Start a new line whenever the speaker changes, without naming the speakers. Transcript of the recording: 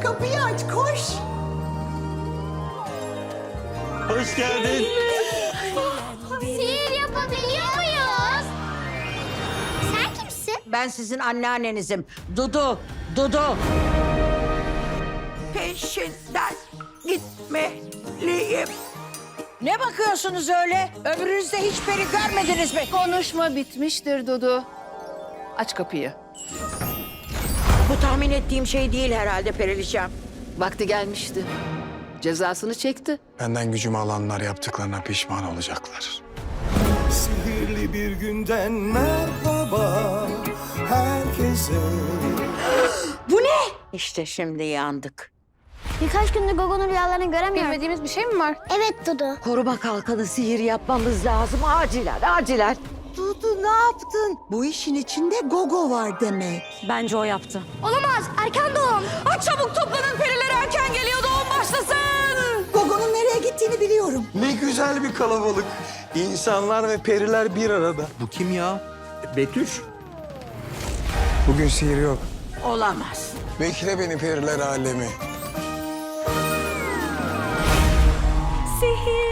kapıyı aç, koş.
Hoş geldin.
Sihir yapabiliyor muyuz? Sen kimsin?
Ben sizin anneannenizim. Dudu, Dudu.
Peşinden gitmeliyim.
Ne bakıyorsunuz öyle? Ömrünüzde hiç peri görmediniz mi?
Konuşma bitmiştir Dudu. Aç kapıyı.
Bu tahmin ettiğim şey değil herhalde Periliçem.
Vakti gelmişti. Cezasını çekti.
Benden gücümü alanlar yaptıklarına pişman olacaklar.
Sihirli bir günden merhaba herkese.
İşte şimdi yandık.
Birkaç gündür Gogo'nun rüyalarını göremiyorum.
Bilmediğimiz bir şey mi var?
Evet Dudu.
Koruma kalkanı sihir yapmamız lazım. Acilen, acilen.
Dudu ne yaptın? Bu işin içinde Gogo var demek.
Bence o yaptı.
Olamaz. Erken doğum.
Çabuk toplanın, periler erken geliyor, doğum başlasın.
Gogo'nun nereye gittiğini biliyorum.
Ne güzel bir kalabalık. İnsanlar ve periler bir arada.
Bu kim ya? Betüş.
Bugün sihir yok.
Olamaz.
Bekle beni periler alemi.
Sihir